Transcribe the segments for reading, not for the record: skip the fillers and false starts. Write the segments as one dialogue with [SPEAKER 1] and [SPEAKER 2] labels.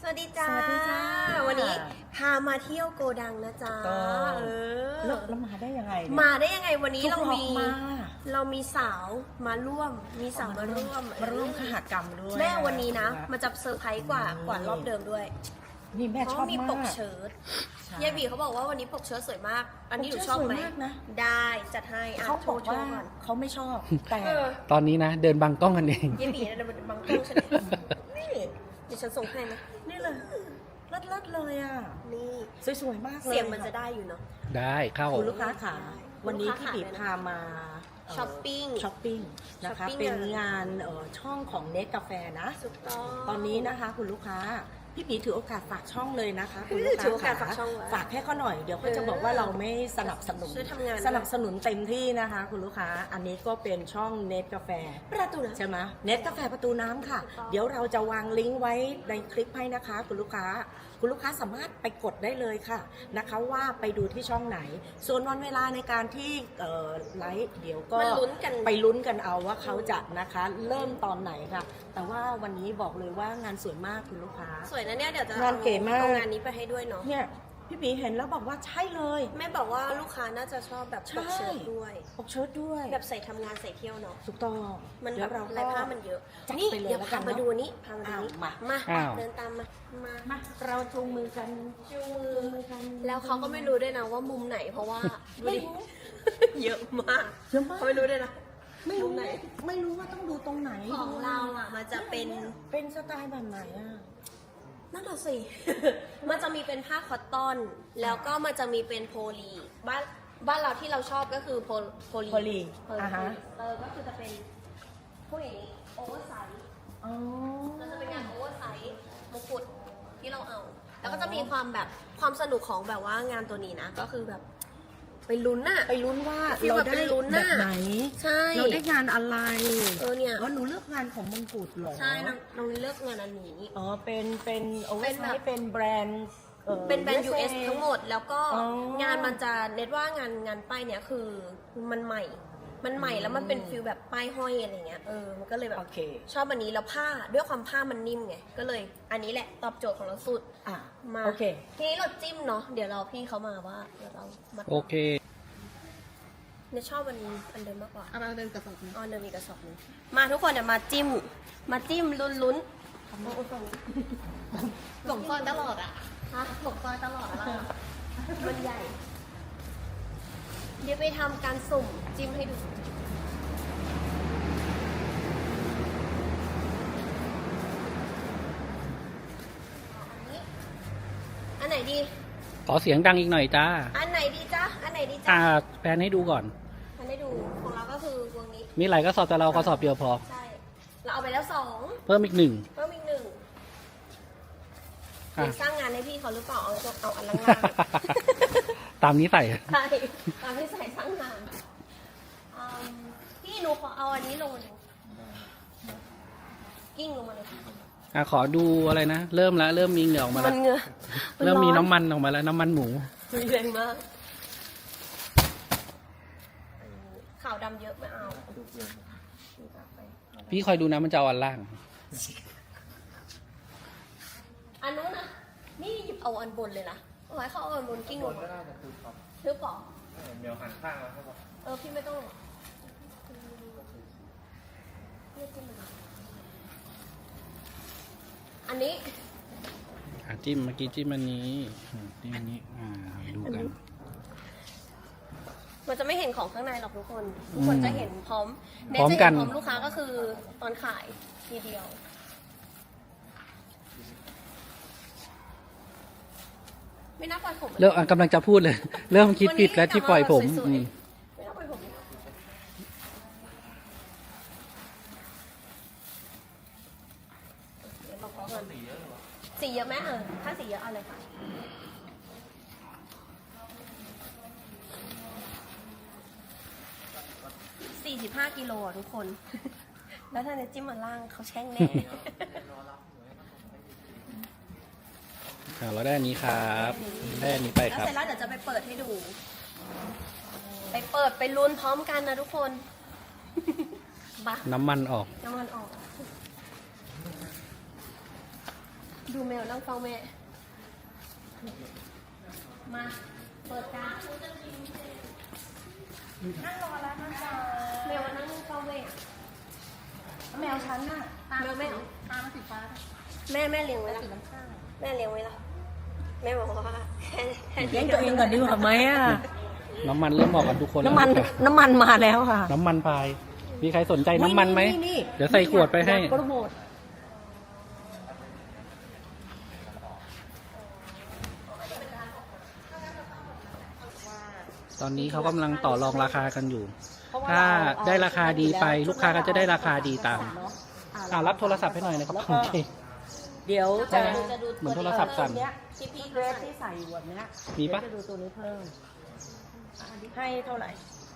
[SPEAKER 1] วัสดีจ้า
[SPEAKER 2] สวัสดีจ้า
[SPEAKER 1] วันนี้พามาเที่ยวโกดังนะจ๊ะ
[SPEAKER 2] แล้วมาได้ยังไงเนี่ย
[SPEAKER 1] มาได้ยังไงวันนี้
[SPEAKER 2] ทุก
[SPEAKER 1] เรา
[SPEAKER 2] รอบ
[SPEAKER 1] มี
[SPEAKER 2] มา
[SPEAKER 1] เรามีสาวมาร่วม
[SPEAKER 2] มาร่วมขหกรรมด้วย
[SPEAKER 1] แม่วันนี้นะมันจะเซอร์ไพรส์กว่ารอบเดิมด้วย
[SPEAKER 2] นี่แม่
[SPEAKER 1] เพ
[SPEAKER 2] ชอ
[SPEAKER 1] ราะ
[SPEAKER 2] บ
[SPEAKER 1] มี
[SPEAKER 2] มา
[SPEAKER 1] ป
[SPEAKER 2] ก
[SPEAKER 1] กเชิ้ต
[SPEAKER 2] ใช่
[SPEAKER 1] ยายบีเขาบอกว่าวันนี้ปกเชิ้ตสวยมาก อันนี้หนูชอบไหม
[SPEAKER 2] ปกเชิ้ตสวยมากนะ
[SPEAKER 1] ได้จัดให้อ่ะ
[SPEAKER 2] เขาบอก
[SPEAKER 1] โช
[SPEAKER 2] ว่า
[SPEAKER 1] ก่อน
[SPEAKER 2] เขาไม่ชอบแต่
[SPEAKER 1] เออ
[SPEAKER 3] ตอนนี้นะเดินบังกล้องกันเอง
[SPEAKER 1] ยายบีนะมันบังกล้องฉันเลยนี่เดี๋ยวฉันส่งให้ไหม
[SPEAKER 2] นี่เลยเลิศเลยอ่ะ
[SPEAKER 1] นี่
[SPEAKER 2] สวยๆมากเลย
[SPEAKER 1] เสียงมันจะได้อยู่เนาะ
[SPEAKER 3] ได้เข้า
[SPEAKER 2] คุณลูกค้าขาวันนี้
[SPEAKER 1] ลูกค้า
[SPEAKER 2] พี่ปี
[SPEAKER 1] ขา
[SPEAKER 2] พามาเ
[SPEAKER 1] ช้อปปิ้ง
[SPEAKER 2] ช้อปปิ้งนะคะ
[SPEAKER 1] ช้อปปิ้ง
[SPEAKER 2] เป็นงานช่องของเนสกาแฟนะ
[SPEAKER 1] ถูกต้อง
[SPEAKER 2] ตอนนี้นะคะคุณลูกค้าพี่ปีถือโอกาสฝากช่องเลยนะคะคุณลูกค้า
[SPEAKER 1] ถือโอกาสฝากช่องไว้
[SPEAKER 2] ฝากให้เขาหน่อยเดี๋ยวเขาจะบอกว่าเราไม่สนับสนุน
[SPEAKER 1] ช่วยทำงาน
[SPEAKER 2] สนับสนุนเต็มที่นะคะ คุณลูกค้าอันนี้ก็เป็นช่องเนสกาแฟ
[SPEAKER 1] ประตูนะ
[SPEAKER 2] ใช่ไหมเนสกาแฟประตูน้ำค่ะ
[SPEAKER 1] ถูกต้อง
[SPEAKER 2] เดี๋ยวเราจะวางลิงก์ไว้ในคลิปให้นะคะ คุณลูกค้าสามารถไปกดได้เลยค่ะนะคะว่าไปดูที่ช่องไหน ส่วนวันเวลาในการที่ไลฟ์เดี๋ยวก็
[SPEAKER 1] มาลุ้นกัน
[SPEAKER 2] ไปลุ้นกันเอาว่าเขาจะนะคะเริ่มตอนไหนค่ะ แต่ว่าวันนี้บอกเลยว่างานสวยมากคุณลูกค้า
[SPEAKER 1] สวยนะเนี่ยเดี๋ยวจะ
[SPEAKER 2] งานเก๋มาก
[SPEAKER 1] เอางานนี้ไปให้ด้วยเนาะ
[SPEAKER 2] เนี่ยพี่ปีเห็นแล้วบอกว่าใช่เลย
[SPEAKER 1] แม่บอกว่าลูกค้าน่าจะชอบแบบปกเชิ้ตด้วย
[SPEAKER 2] ปกเชิ้ตด้วย
[SPEAKER 1] แบบใส่ทำงานใส่เที่ยวเนาะ
[SPEAKER 2] ถูกต้อง
[SPEAKER 1] มัน
[SPEAKER 2] เดี๋
[SPEAKER 1] แบ
[SPEAKER 2] ยว
[SPEAKER 1] บ
[SPEAKER 2] เรา
[SPEAKER 1] ลาย
[SPEAKER 2] ก็
[SPEAKER 1] ผ้ามันเยอะ
[SPEAKER 2] จัด
[SPEAKER 1] นี่
[SPEAKER 2] ไปเลย
[SPEAKER 1] เดี๋ยว
[SPEAKER 2] แล้วกั
[SPEAKER 1] พาน มา
[SPEAKER 2] เนอะ
[SPEAKER 1] ดูนี่พามาดูนี่
[SPEAKER 2] มา
[SPEAKER 1] มา
[SPEAKER 3] อ้าว
[SPEAKER 1] เดินตามมา
[SPEAKER 2] มาเราจูงมือกัน
[SPEAKER 1] จูงมือแล้วเขาก็ไม่รู้ด้วยนะว่ามุมไหนเพราะว่าดูดิเยอะมาก
[SPEAKER 2] เยอะมาก
[SPEAKER 1] เขาไม่รู้ด้วยนะ
[SPEAKER 2] ไม่
[SPEAKER 1] มุ
[SPEAKER 2] รู้
[SPEAKER 1] มไหน
[SPEAKER 2] ไม่รู้ว่าต้องดูตรงไหน
[SPEAKER 1] ของเราอ่ะมันจะเป็น
[SPEAKER 2] เป็นสไตล์แบบไหนอ่ะ
[SPEAKER 1] นั่นน่ะสิ มันจะมีเป็นผ้าคอตตอน แล้วก็มันจะมีเป็นโพลีบ้านเราที่เราชอบก็คือโพลี
[SPEAKER 2] โพลี
[SPEAKER 1] อ่า
[SPEAKER 2] ฮะ
[SPEAKER 1] ก็คือจะเป็นพวกอย่างนี้โอเวอร์ไซส์
[SPEAKER 2] อ๋อ
[SPEAKER 1] มันจะเป็นงานโอเวอร์ไซส์มงกุฎที่เราเอา แล้วก็จะมีความแบบความสนุกของแบบว่างานตัวนี้นะ ก็คือแบบไปลุ้นน่ะ
[SPEAKER 2] ไปลุ้นว่า
[SPEAKER 1] ฟีล
[SPEAKER 2] เรา
[SPEAKER 1] แบบ
[SPEAKER 2] ได้
[SPEAKER 1] เป็นลุ้น
[SPEAKER 2] แบ
[SPEAKER 1] น่ะ
[SPEAKER 2] บไหน
[SPEAKER 1] ใช่
[SPEAKER 2] เราได้งานอะไร
[SPEAKER 1] เนี่ย
[SPEAKER 2] อ๋อหนูเลือกงานของมงกุฎเหรอ
[SPEAKER 1] ใช่น้องเลือกงานอันนี้
[SPEAKER 2] อ๋อเป็นโอเวอ
[SPEAKER 1] เป็
[SPEAKER 2] ร์
[SPEAKER 1] น
[SPEAKER 2] ไซ
[SPEAKER 1] แบบ
[SPEAKER 2] ส์เป็นแบรนด์
[SPEAKER 1] เป็นแบรนด์ US ทั้งหมด แล้วก็
[SPEAKER 2] อ๋อ
[SPEAKER 1] งานมันจะเน็ตว่างานป้ายเนี่ยคือมันใหม่แล้วมันเป็นฟิลแบบป้ายห้อยอะไรเงี้ยมันก็เลยแบบ
[SPEAKER 2] โอเค
[SPEAKER 1] ชอบอันนี้แล้วผ้าด้วยความผ้ามันนิ่มไงก็เลยอันนี้แหละตอบโจทย์ของเราสุด
[SPEAKER 2] อ่ะ
[SPEAKER 1] มา
[SPEAKER 2] โอเค
[SPEAKER 1] ทีนี้เราจิ้มเนาะเดี๋ยวเราพี่เขามาว่าเดี๋ยวเรามา
[SPEAKER 3] โอเค
[SPEAKER 1] เนี่ยชอบอันเดิมมากกว่า
[SPEAKER 4] เอามาเดินกระสอบนึง
[SPEAKER 1] อ๋อเดิมมีกระสอบนึงมาทุกคนเดี๋ยวมาจิ้มลุ้นๆ
[SPEAKER 4] หลงซอยตลอดอ่ะ
[SPEAKER 1] ฮะ
[SPEAKER 4] หลงซอยตลอดแล้วอะ
[SPEAKER 1] มันใหญ่ เดี๋ยวไปทำการสุ่มจิ้มให้ดู อันไหนดี
[SPEAKER 3] ขอเสียงดังอีกหน่อยจ้า
[SPEAKER 1] อันไหนดีจ๊ะ อันไหนดีจ๊ะ
[SPEAKER 3] แปลนให้ดูก่อน
[SPEAKER 1] อันให้ดูของเราก็คือวงนี้
[SPEAKER 3] มีหลายกระสอบแต่เรากระสอบเดียวพอ
[SPEAKER 1] ใช่ เราเอาไปแล้ว2
[SPEAKER 3] เพิ่มอีกหนึ่ง
[SPEAKER 1] เพิ่มอีก1
[SPEAKER 3] อ่ะ
[SPEAKER 1] สร้างงานให้พี่เขาหรือเปล่า เอาอันล่าง
[SPEAKER 3] ตามนี้ใส่
[SPEAKER 1] ๆใช่ตามที่ใส่สร้างงานพี่หนูขอเอาอันนี้ลงมาดูกิ้งลงมาเลย
[SPEAKER 3] ขอดูอะไรนะ เริ่มแล้วเริ่มมีเหงื่อออกมา
[SPEAKER 1] มั
[SPEAKER 3] แล้ว
[SPEAKER 1] นเหงื่อ
[SPEAKER 3] เริ่มมีน้ำมันออกมาแล้วน้ำมันหมู
[SPEAKER 1] มีแรงมากขาวดำเยอะไม่เอา
[SPEAKER 3] พี่คอยดูนะมันจะเอาอันล่าง
[SPEAKER 1] อันนู้นนะนี่หยิบเอาอันบนเลยนะเอาไว้เขาเอาอันบนกิ้งลงมาทึบปอเดี๋ยวหันข้างแล้วพี่ไม่ต้องหรอกอันนี้
[SPEAKER 3] จิ้มเมื่อกี้จิ้มอันนี้จิ้มอันนี้ดูกัน
[SPEAKER 1] มันจะไม่เห็นของข้างในหรอกทุกคนจะเห็นพร้อม
[SPEAKER 3] พร้อมกัน
[SPEAKER 1] เจะเห็พร้อมลูกค้าก็คือตอนขายทีเดียว ไม่น่าปล่อยผม
[SPEAKER 3] เริ่มกำลังจะพูดเลย เริ่มคิดผิดแล้วที่ปล่อยผม
[SPEAKER 1] สวยๆไม่น่าปล่อยผมเดี๋ยวบอกเขาก่อนสีเยอะไหมถ้าสีเยอะเอาเลยค่ะ45 กิโลอ่ะทุกคน แล้วถ้าเนี่ยจิ้มมาล่างเขาแช่งแน่
[SPEAKER 3] เราได้อันนี้ครับได้อันนี้ไป
[SPEAKER 1] แล้ว
[SPEAKER 3] ครับ
[SPEAKER 1] เสร็จแล้วเดี๋ยวจะไปเปิดให้ดู ไปลุ้นพร้อมกันนะทุกคน บ้า
[SPEAKER 3] น้ำมันออก
[SPEAKER 1] น้ำมันออกดูแมวนั่งเฝ้าแม่ มาเปิดการนั่งรอแล้วนะจ๊ะแมวนั่งเฝ้าแม่
[SPEAKER 2] แมวฉันน่ะ
[SPEAKER 1] แมวแม่
[SPEAKER 4] ตามันสีฟ้า
[SPEAKER 1] แม่เลี้ยงไว้ละ
[SPEAKER 4] สีน้ำข้าว
[SPEAKER 1] แม่เลี้ยงไว้ละแม่บอกว่าแค่
[SPEAKER 2] เลี้ยงตัวเองก่อนดีกว่าไหมอ่ะ
[SPEAKER 3] น้ำมันเริ่มออกกันทุกคนแล้ว
[SPEAKER 2] น้ำมันมาแล้วค่ะ
[SPEAKER 3] น้ำมันพาย มีใครสนใจน้ำมันไหม เดี๋ยวใส่ขวดไปให้
[SPEAKER 2] โปรโมท
[SPEAKER 3] ตอนนี้เขากำลังต่อรองราคากันอยู่
[SPEAKER 2] เพราะว่า
[SPEAKER 3] ถ้า
[SPEAKER 2] เ
[SPEAKER 3] ได้ราคาดีไป ลูกค้าก็จะได้ราคาดีตาม
[SPEAKER 2] เนอะ
[SPEAKER 3] รับโทรศัพท์ให้หน่อยนะครับ
[SPEAKER 2] แล้ว
[SPEAKER 3] โอ
[SPEAKER 2] ก็
[SPEAKER 3] เค
[SPEAKER 2] เดี๋ยวจะ
[SPEAKER 3] เหมือนโทรศัพท์สั่น
[SPEAKER 2] เนี้ยที่เกรดที่ใส่อยู่แบบเนี้ย
[SPEAKER 3] มีปะ
[SPEAKER 2] เดี๋ยวจะดูตัวนี้เพิ่ม ให้เท่าไหร่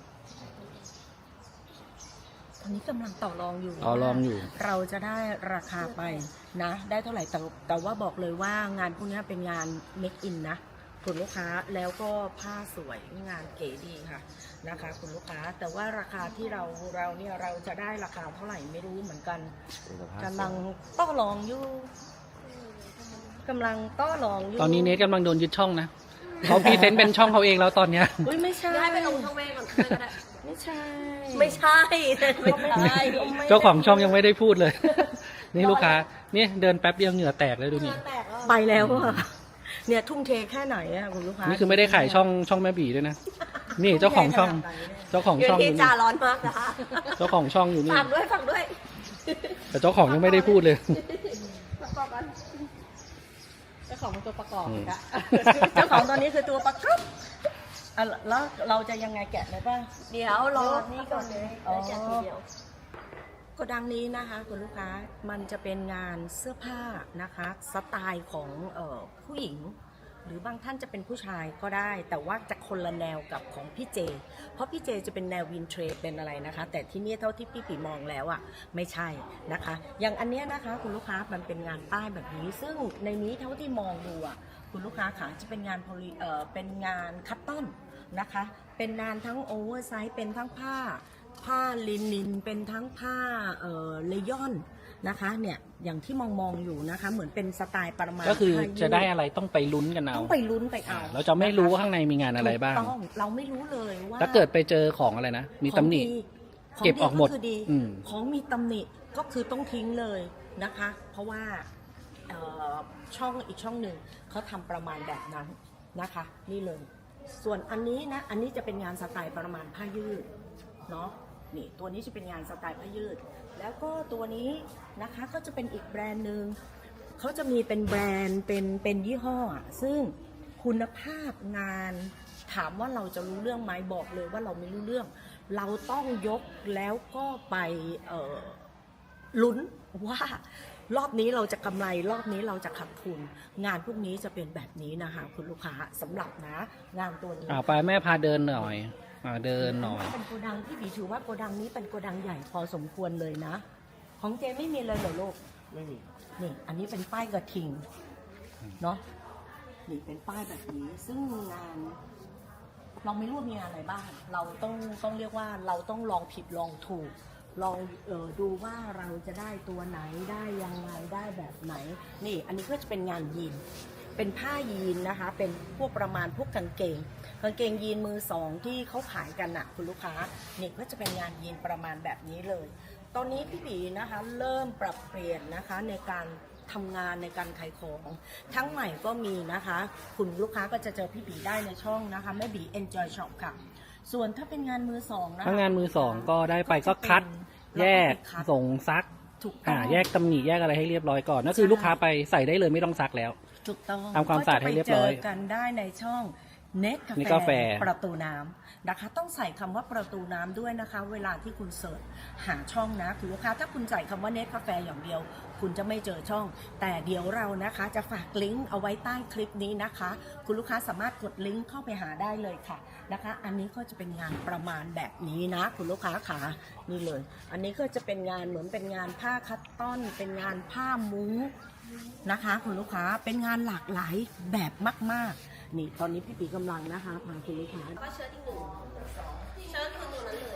[SPEAKER 2] ตอนนี้กำลังต่อรองอยู่
[SPEAKER 3] ต่อรองอยู่
[SPEAKER 2] เราจะได้ราคาไปนะ ได้เท่าไหร่แต่ว่าบอกเลยว่างานพวกนี้เป็นงาน make in นะคุณลูกค้าแล้วก็ผ้าสวยงานเก๋ดีค่ะนะคะคุณลูกค้าแต่ว่าราคาที่เราเนี่ยเราจะได้ราคาเท่าไหร่ไม่รู้เหมือนกันกำลังต่อรองอยู่กำลังต่อรองอยู่
[SPEAKER 3] ตอนนี้เนทกำลังโดนยึดช่องนะ เขาพรีเซนต์เป็นช่องเขาเองแล้วตอนเนี้ย
[SPEAKER 2] อุ้ยไม่ใช่
[SPEAKER 1] ให้ไปลงช่องแม่ก่อนก็ได้
[SPEAKER 2] ไม่ใช่
[SPEAKER 1] ไม่ใช่ ไม่ใช่
[SPEAKER 3] เจ้าของช่องยังไม่ได้พูดเลย นี่ลูกค้า นี่เดินแป๊บเดียวเหงื่อแตกเลยดูนี่
[SPEAKER 1] แตกแล้ว
[SPEAKER 2] ไปแล้วอะเนี่ยทุ่มเทแค่ไหนอะคุณลูกค้า
[SPEAKER 3] นี่คือไม่ได้ขายช่องแม่บีด้วยนะ นี่เจ้าของช่อง เจ้าของ
[SPEAKER 1] เดือ
[SPEAKER 3] ช่
[SPEAKER 1] น
[SPEAKER 3] องอ
[SPEAKER 1] ที่
[SPEAKER 3] ยู่
[SPEAKER 1] จ่า
[SPEAKER 3] นี่
[SPEAKER 1] ร้อนมากนะคะ
[SPEAKER 3] เจ้าของช่องอยู่นี่
[SPEAKER 1] ฝากด้วย
[SPEAKER 3] แต่เจ้าของยังไม่ได้พูดเลย
[SPEAKER 1] ประกอบกัน
[SPEAKER 4] เจ้าของเป็นตัวประกอบ
[SPEAKER 3] อืม
[SPEAKER 4] อะ
[SPEAKER 2] เจ้าของตอนนี้คือตัวประกอบอ่ะแล้วเราจะยังไงแกะเลยป่ะ
[SPEAKER 1] เดี๋ยวรอนี่ก่อนเลย
[SPEAKER 2] อ๋อ
[SPEAKER 1] แล้วแจกทีเดียว
[SPEAKER 2] โกดังนี้นะคะคุณลูกค้ามันจะเป็นงานเสื้อผ้านะคะสไตล์ของผู้หญิง หรือบางท่านจะเป็นผู้ชายก็ได้ แต่ว่าจะคนละแนวกับของพี่เจ เพราะพี่เจจะเป็นแนววินเทรดเป็นอะไรนะคะ แต่ที่นี่เท่าที่พี่ปีมองแล้วอ่ะไม่ใช่นะคะ อย่างอันเนี้ยนะคะคุณลูกค้ามันเป็นงานป้ายแบบนี้ ซึ่งในนี้เท่าที่มองดูอ่ะคุณลูกค้าค่ะจะเป็นงานเป็นงานคัตตอนนะคะ เป็นงานทั้งโอเวอร์ไซส์เป็นทั้งผ้าลินินเป็นทั้งผ้าเลยอนนะคะเนี่ยอย่างที่มองอยู่นะคะเหมือนเป็นสไตล์ประมาณ
[SPEAKER 3] ก็คือ
[SPEAKER 2] ผ้ายื
[SPEAKER 3] จะได้อะไรต้องไปลุ้นกันเอา
[SPEAKER 2] ต้องไปลุ้นไปเอา
[SPEAKER 3] เราจะไม่รู้ว่าข้างในมีงานอะไรบ้าง
[SPEAKER 2] ถูกต้องเราไม่รู้เลยว่า
[SPEAKER 3] ถ้าเกิดไปเจอของอะไรนะ มีตำหนิ
[SPEAKER 2] ของดี
[SPEAKER 3] เก็บออกหมด
[SPEAKER 2] คืดี
[SPEAKER 3] อืม
[SPEAKER 2] ของมีตำหนิก็คือต้องทิ้งเลยนะคะ เพราะว่าช่องอีกช่องหนึ่งเขาทำประมาณแบบนั้นนะคะ นี่เลย ส่วนอันนี้นะอันนี้จะเป็นงานสไตล์ประมาณผ้ายืดเนาะนี่ตัวนี้จะเป็นงานสไตล์ผ้ายืด แล้วก็ตัวนี้นะคะก็จะเป็นอีกแบรนด์หนึ่งเขาจะมีเป็นแบรนด์เป็นยี่ห้ออะซึ่งคุณภาพงานถามว่าเราจะรู้เรื่องไหมบอกเลยว่าเราไม่รู้เรื่อง เราต้องยกแล้วก็ไปลุ้นว่ารอบนี้เราจะกำไรรอบนี้เราจะขาดทุน งานพวกนี้จะเป็นแบบนี้นะคะคุณลูกค้าสำหรับนะงานตัวนี้
[SPEAKER 3] ไปแม่พาเดินหน่อยเดินหน่อย
[SPEAKER 2] เป็นโกดังที่บีถือว่าโกดังนี้เป็นโกดังใหญ่พอสมควรเลยนะ ของเจไม่มีเลยเหรอลูก
[SPEAKER 3] ไม่มี
[SPEAKER 2] นี่อันนี้เป็นป้ายกระทิงเนาะนี่เป็นป้ายแบบนี้ ซึ่งงาน เราไม่รู้ว่ามีงานอะไรบ้าง เราต้องเรียกว่าเราต้องลองผิดลองถูก ลองดูว่าเราจะได้ตัวไหนได้ยังไงได้แบบไหน นี่อันนี้ก็จะเป็นงานยีน เป็นผ้ายีนนะคะ เป็นพวกประมาณพวกกางเกงยีนมือสองที่เขาขายกันน่ะคุณลูกค้า นี่ก็จะเป็นงานยีนประมาณแบบนี้เลย ตอนนี้พี่บีนะคะเริ่มปรับเปลี่ยนนะคะในการทำงานในการขายของทั้งใหม่ก็มีนะคะ คุณลูกค้าก็จะเจอพี่บีได้ในช่องนะคะแม่บี Enjoy Shop ค่ะ ส่วนถ้าเป็นงานมือสองนะคะ
[SPEAKER 3] ถ้างานมือสองก็ได้ไปก็คัด แยกส่งซัก
[SPEAKER 2] ถูกต้อง
[SPEAKER 3] แยกตำหนิแยกอะไรให้เรียบร้อยก่อนนั่นคือลูกค้าไปใส่ได้เลยไม่ต้องซักแล้ว
[SPEAKER 2] ถูกต้อง
[SPEAKER 3] ทำความสะอาดให้เรียบร้อย
[SPEAKER 2] ก็จะไปเจอกันได้ในช่องเน็ต
[SPEAKER 3] Net
[SPEAKER 2] กา
[SPEAKER 3] Cafe
[SPEAKER 2] แฟประตูน้ำนะคะ ต้องใส่คำว่าประตูน้ำด้วยนะคะ เวลาที่คุณเสิร์ชหาช่องนะคุณลูกค้าถ้าคุณใส่คำว่าเน็ตกาแฟอย่างเดียว คุณจะไม่เจอช่อง แต่เดี๋ยวเรานะคะจะฝากลิงก์เอาไว้ใต้คลิปนี้นะคะ คุณลูกค้าสามารถกดลิงก์เข้าไปหาได้เลยค่ะนะคะ อันนี้ก็จะเป็นงานประมาณแบบนี้นะคุณลูกค้าค่ะนี่เลย อันนี้ก็จะเป็นงานเหมือนเป็นงานผ้าคัตตอนเป็นงานผ้ามุ้งนะคะคุณลูกค้าเป็นงานหลากหลายแบบมากๆนี่ตอนนี้พี่ปีกำลังนะคะพาคุณลูกค้า
[SPEAKER 1] ก็เชิ้ตอีกหนึ่งเชิ้ตคือตัวนั้นเลย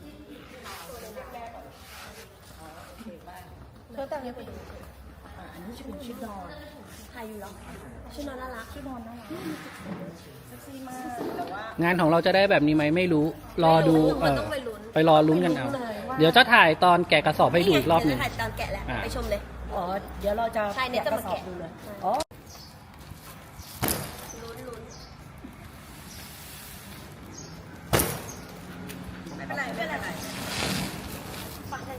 [SPEAKER 1] เชิ้ตแต่งนี้ไปดู
[SPEAKER 2] อันนี้นี้จะเป็นชุดนอน
[SPEAKER 1] ถ่ายอยู่เหรอชุดนอนน่ารัก
[SPEAKER 2] ชุดนอนน่ารักเซ็กซี่มากแต่ว่าง
[SPEAKER 3] านของเราจะได้แบบนี้ไหมไม่รู้ รอดู
[SPEAKER 1] มันต้องไปลุ้น
[SPEAKER 3] ไปรอลุ้นกันเอา เดี๋ยวจะถ่ายตอนแกะกระสอบให้ดูอีกรอบหนึ่ง
[SPEAKER 1] ถ่ายตอนแกะแหละ
[SPEAKER 3] อ่ะ
[SPEAKER 1] ไปชมเลย
[SPEAKER 2] อ๋อเดี๋ยวเราจะ
[SPEAKER 1] ใช่เนี่ยจะมาแกะ
[SPEAKER 2] ดูเลยอ๋อ
[SPEAKER 1] ลุ้น
[SPEAKER 2] ไม่เป็นไรไม่เป็นไร
[SPEAKER 1] ฟังได้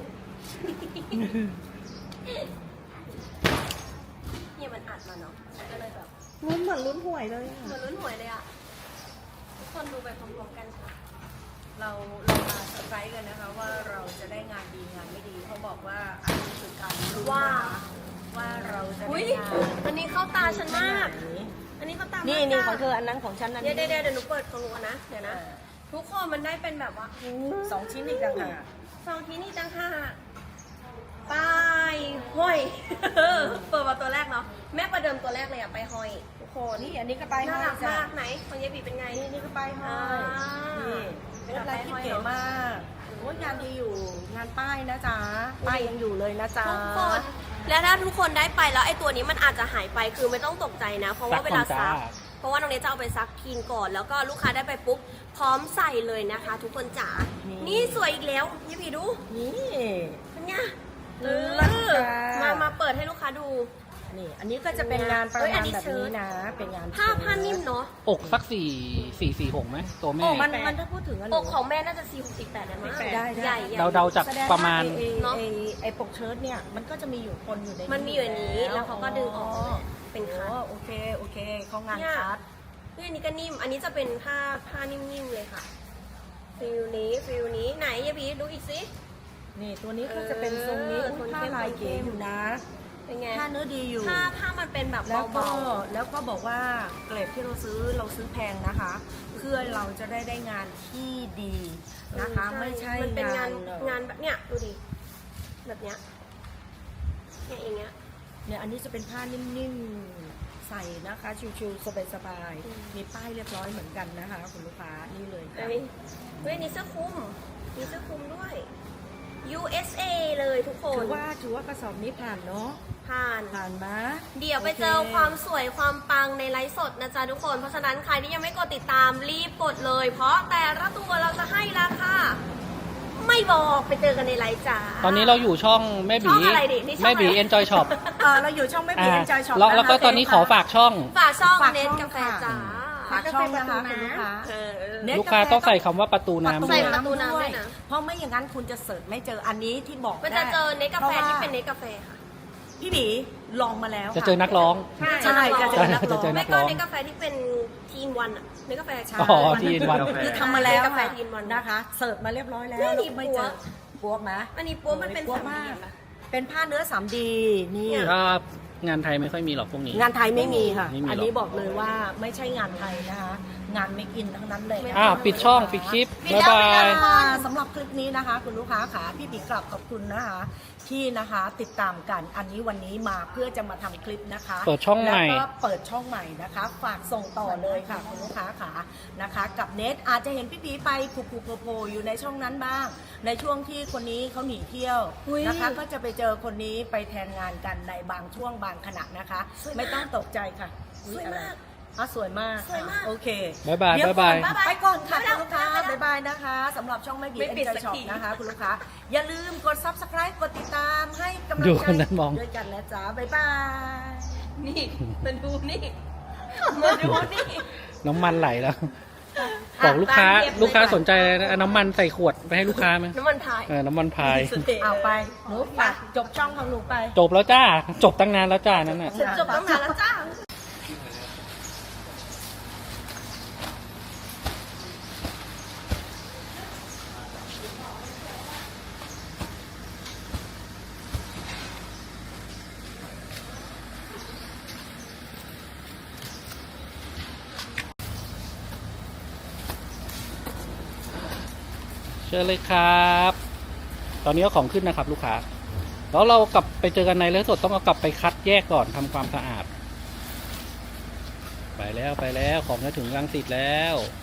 [SPEAKER 1] เนี่ยมันอัดมาเนาะก็เลยแบบ
[SPEAKER 4] ลุ้นเหมือนลุ้นหวยเลยอะ
[SPEAKER 1] เหมือนลุ้นหวยเลยอ่ะทุกคนดูไปพร้อมๆกันค่ะ
[SPEAKER 2] เรามาเซอร์ไพรส์กันนะคะว่าเราจะได้งานดีงานไม่ดีเขาบอกว่าอันนี้คือการรู้
[SPEAKER 1] ว่า
[SPEAKER 2] ว่าเราจะ
[SPEAKER 1] อุ้
[SPEAKER 2] ได้
[SPEAKER 1] ย
[SPEAKER 2] งาน
[SPEAKER 1] อันนี้เข้าตาฉันมาก
[SPEAKER 2] แบบนี้
[SPEAKER 1] อันนี้เข้าตามาก
[SPEAKER 2] นี่
[SPEAKER 1] จ้ะ
[SPEAKER 2] ของเธออันนั้นของฉันอัน
[SPEAKER 1] เดี๋
[SPEAKER 2] นี้
[SPEAKER 1] ยวหนูเปิดของหนูก่อนนะ เดี๋ยวนะ ทุกคนมันได้เป็นแบบว่า
[SPEAKER 2] สองชิ้นอีกต่างหาก
[SPEAKER 1] ซองที่นี่ตั้งห้าป้ายห้อย เปิดมาตัวแรกเนาะ แม่ประเดิมตัวแรกเลยอะไปห้อย ทุกคน
[SPEAKER 2] นี่อันนี้ก็ไป
[SPEAKER 1] น่า
[SPEAKER 2] ห้อย
[SPEAKER 1] รัก
[SPEAKER 2] จ้ะ
[SPEAKER 1] มากไหนของเยบีเป็นไง
[SPEAKER 2] นี่ก็ไปห้อย
[SPEAKER 1] อ่า
[SPEAKER 2] นี่เป็นอะไรที่เก๋มากโอ้ยงานดีอยู่งานป้ายนะจ๊ะป้ายยังอยู่เลยนะจ๊ะ
[SPEAKER 1] ทุกคน และถ้าทุกคนได้ไปแล้วไอ้ตัวนี้มันอาจจะหายไปคือไม่ต้องตกใจนะ เพราะว่าเวลาซัก เพราะว่าน้องเนยจะเอาไปซักทีนก่อน แล้วก็ลูกค้าได้ไปปุ๊บพร้อมใส่เลยนะคะ ทุกคนจ๋า นี่สวยอีกแล้วเยบีดู
[SPEAKER 2] นี่
[SPEAKER 1] เป็นไง
[SPEAKER 2] เลิศค่ะ
[SPEAKER 1] มาเปิดให้ลูกค้าดู
[SPEAKER 2] นี่อันนี้ก็จะเป็นงานประ
[SPEAKER 1] เอ้ยอั
[SPEAKER 2] มาณ
[SPEAKER 1] นนี้
[SPEAKER 2] แบบ
[SPEAKER 1] เชิ้
[SPEAKER 2] นี้
[SPEAKER 1] ต
[SPEAKER 2] นะ เป็นงาน
[SPEAKER 1] ผ้านิ่มเนาะ
[SPEAKER 3] อกสัก4 4 4 6ไหมตัวแม่
[SPEAKER 2] มันถ้าพูดถึงอัน
[SPEAKER 1] อกของแม่น่าจะ4-8ได้มั้ง
[SPEAKER 2] ได้
[SPEAKER 1] ใหญ่
[SPEAKER 3] เดาๆจาก
[SPEAKER 2] แสดง
[SPEAKER 3] ประมาณ
[SPEAKER 2] ว่
[SPEAKER 1] เนอะ
[SPEAKER 2] ไอ้ปกเชิ้ตเนี่ยมันก็จะมีอยู่คนอยู่ใน
[SPEAKER 1] มันมีอยู่ในนี้แล้วเขาก็ดึงออกเป็นคัท
[SPEAKER 2] โอเคโอเคเขางาน
[SPEAKER 1] เนี่ย
[SPEAKER 2] คัด
[SPEAKER 1] เฮ้ยอันนี้ก็นิ่ม อันนี้จะเป็นผ้านิ่มๆเลยค่ะ ฟิลนี้ไหนยายบีดูอีกสิ
[SPEAKER 2] นี่ตัวนี้ก็จะเป็นทรงนี้
[SPEAKER 1] เออ
[SPEAKER 2] อุ๊ย
[SPEAKER 1] โทน
[SPEAKER 2] ผ้า
[SPEAKER 1] เข้ม
[SPEAKER 2] ลายเก๋อยู่นะ
[SPEAKER 1] เป็นไง
[SPEAKER 2] ผ้าเนื้อดีอยู่
[SPEAKER 1] ผ้ามันเป็นแบบ
[SPEAKER 2] แล้วก็
[SPEAKER 1] เบา
[SPEAKER 2] แล้วก็บอกว่าเกรดที่เราซื้อแพงนะคะ เพื่อเราจะได้งานที่ดี
[SPEAKER 1] ๆ
[SPEAKER 2] นะคะ ไม่ใช่
[SPEAKER 1] มันเป็นงาน
[SPEAKER 2] เอ่อ
[SPEAKER 1] งานแบบเนี้ยดูดิ แบบเนี้ยเนี่ยอย่างเงี้ย
[SPEAKER 2] เนี่ยอันนี้จะเป็นผ้านิ่มๆใส่นะคะ ชิวๆสบาย
[SPEAKER 1] อืม
[SPEAKER 2] ๆมีป้ายเรียบร้อยเหมือนกันนะคะคุณลูกค้านี่เลยค่ะ
[SPEAKER 1] เฮ้ยนี่เสื้อคลุมมีเสื้อคลุมด้วย USA เลยทุกคน
[SPEAKER 2] ถือว่ากระสอบนี้ผ่านเนาะ
[SPEAKER 1] ผ่าน
[SPEAKER 2] ผ่านมา
[SPEAKER 1] เดี๋ยวไปเจอความสวยความปังในไลฟ์สดนะจ๊ะทุกคน เพราะฉะนั้นใครที่ยังไม่กดติดตามรีบกดเลย เพราะแต่ละตัวเราจะให้ราคาไม่บอกไปเจอกันในไลฟ์จ้า
[SPEAKER 3] ตอนนี้เราอยู่ช่องแม่
[SPEAKER 1] ช่
[SPEAKER 3] บี
[SPEAKER 1] องอะไรดินี่ช่องอะไร
[SPEAKER 3] แม่บี Enjoy Shop
[SPEAKER 2] เราอยู่ช่องไม่มี
[SPEAKER 3] อ่า
[SPEAKER 2] เอ็นจอยช็อป
[SPEAKER 3] แล้วก็ตอนนี้ขอฝากช่อง
[SPEAKER 1] ฝากช่อง
[SPEAKER 2] ฝาก
[SPEAKER 1] เน็ต
[SPEAKER 2] ช่อง
[SPEAKER 1] กาแฟ
[SPEAKER 2] ค่ะ
[SPEAKER 1] จ้า
[SPEAKER 2] ฝากช่องนะคะคุณลูกค้า
[SPEAKER 1] เออ
[SPEAKER 2] เน็ต
[SPEAKER 3] ลูกค้าต้องใส่คำว่าประตูน้ำ
[SPEAKER 1] ใส่
[SPEAKER 3] ด้วย
[SPEAKER 1] ประตูน้ำด้วยนะ
[SPEAKER 2] เพราะไม่อย่างนั้นคุณจะเสิร์ชไม่เจออันนี้ที่บอก
[SPEAKER 1] มันจะเจอเน็ตกาแฟ
[SPEAKER 2] พระว่
[SPEAKER 1] ที่เป็นเน็ตกาแฟค่ะ
[SPEAKER 2] พี่บีลองมาแล้ว
[SPEAKER 3] จะเจอนักร้อง
[SPEAKER 2] ใช่จะเจอนักร้
[SPEAKER 3] จะ
[SPEAKER 2] อง
[SPEAKER 3] เจอนั
[SPEAKER 1] ไม่
[SPEAKER 3] ก
[SPEAKER 1] ก็
[SPEAKER 3] ร้อง
[SPEAKER 1] เน็ตกาแฟที่เป็นทีนวันอะเน็ตกาแฟ
[SPEAKER 2] ใช่
[SPEAKER 3] อ๋อที่ N1
[SPEAKER 2] คือทำมาแล้ว
[SPEAKER 1] กาแฟทีนวัน
[SPEAKER 2] นะคะเสิร์ชมาเรียบร้อยแล้ว
[SPEAKER 1] เนี่ย
[SPEAKER 2] แล้วไม่เจอ
[SPEAKER 1] นี่
[SPEAKER 2] ปัวไหม
[SPEAKER 1] อันนี้ปัวมันเป็น
[SPEAKER 2] ปัว
[SPEAKER 1] 3D
[SPEAKER 2] มาก
[SPEAKER 1] เห็นปะ
[SPEAKER 2] เป็นผ้าเนื้อ 3D นี่
[SPEAKER 1] เนี่ย
[SPEAKER 3] ก็งานไทยไม่ค่อยมีหรอกพวกนี้
[SPEAKER 2] งานไทยไม่มีค่ะ
[SPEAKER 3] ไม่มีหรอก
[SPEAKER 2] อันนี้บอกเลยว่าไม่ใช่งานไทยนะคะ งานเมคอินทั้งนั้นเลย
[SPEAKER 3] ปิดช่องปิดคลิป บ๊ายบาย
[SPEAKER 2] สำหรับคลิปนี้นะคะ คุณลูกค้าขาพี่บีกลับขอบคุณนะคะ ที่นะคะติดตามกันอันนี้วันนี้มาเพื่อจะมาทำคลิปนะคะ
[SPEAKER 3] เปิดช่องใหม่
[SPEAKER 2] แล้วก็เปิดช่องใหม่นะคะ ฝากส่งต่อเลยค่ะคุณลูกค้าขานะคะ กับเน็ตอาจจะเห็นพี่บีไปผูกโผล่อยู่ในช่องนั้นบ้าง ในช่วงที่คนนี้เขาหนีเที่ยว
[SPEAKER 1] อุ๊ย
[SPEAKER 2] นะคะ ก็จะไปเจอคนนี้ไปแทนงานกันในบางช่วงบางขณะนะคะ
[SPEAKER 1] สวยมาก
[SPEAKER 2] ไม่ต้องตกใจค่ะ
[SPEAKER 1] สวยมาก
[SPEAKER 2] สวยมาก
[SPEAKER 1] สวยมาก
[SPEAKER 2] โอเค
[SPEAKER 3] บ๊ายบาย
[SPEAKER 2] เดี๋ว
[SPEAKER 3] บ๊ายบาย
[SPEAKER 2] ก่อนไปก่อนค่ะคุณลูกค้าบ๊ายบายนะคะสำหรับช่องไม่บี
[SPEAKER 1] ไม่
[SPEAKER 2] เอ็น
[SPEAKER 1] ปิด
[SPEAKER 2] จอ
[SPEAKER 1] สั
[SPEAKER 2] ย
[SPEAKER 1] ก
[SPEAKER 2] ช็อป
[SPEAKER 1] ที
[SPEAKER 2] นะคะคุณลูกค้าอย่าลืมกด subscribe กดติดตามให้กำลัง
[SPEAKER 3] ดู
[SPEAKER 2] ใจ
[SPEAKER 3] คนนั้นมอง
[SPEAKER 2] ด้วยกันนะจ๊ะบ๊ายบาย
[SPEAKER 1] นี่มาดูนี่ มาดูนี่
[SPEAKER 3] น้ำมันไหลแล้ว บอกลูกค้า
[SPEAKER 1] ตามเย็บเลย
[SPEAKER 3] ลูกค้าสนใจนะเอาน้ำมันใส่ขวดไปให้ลูกค้าไหม
[SPEAKER 1] น้ำมันพาย
[SPEAKER 3] น้ำมันพาย
[SPEAKER 2] เอาไปหนูไปจบช่องของหนูไป
[SPEAKER 3] จบแล้วจ้า จบตั้งนานแล้วจ้านั่นน่ะ
[SPEAKER 1] ฉันจบตั้งนานแล้วจ้า
[SPEAKER 3] เชิญเลยครับ ตอนนี้เอาของขึ้นนะครับ ลูกค้า แล้วเรากลับไปเจอกันในไลฟ์สดต้องเอากลับไปคัดแยกก่อนทำความสะอาด ไปแล้วของจะถึงรังสิตแล้ว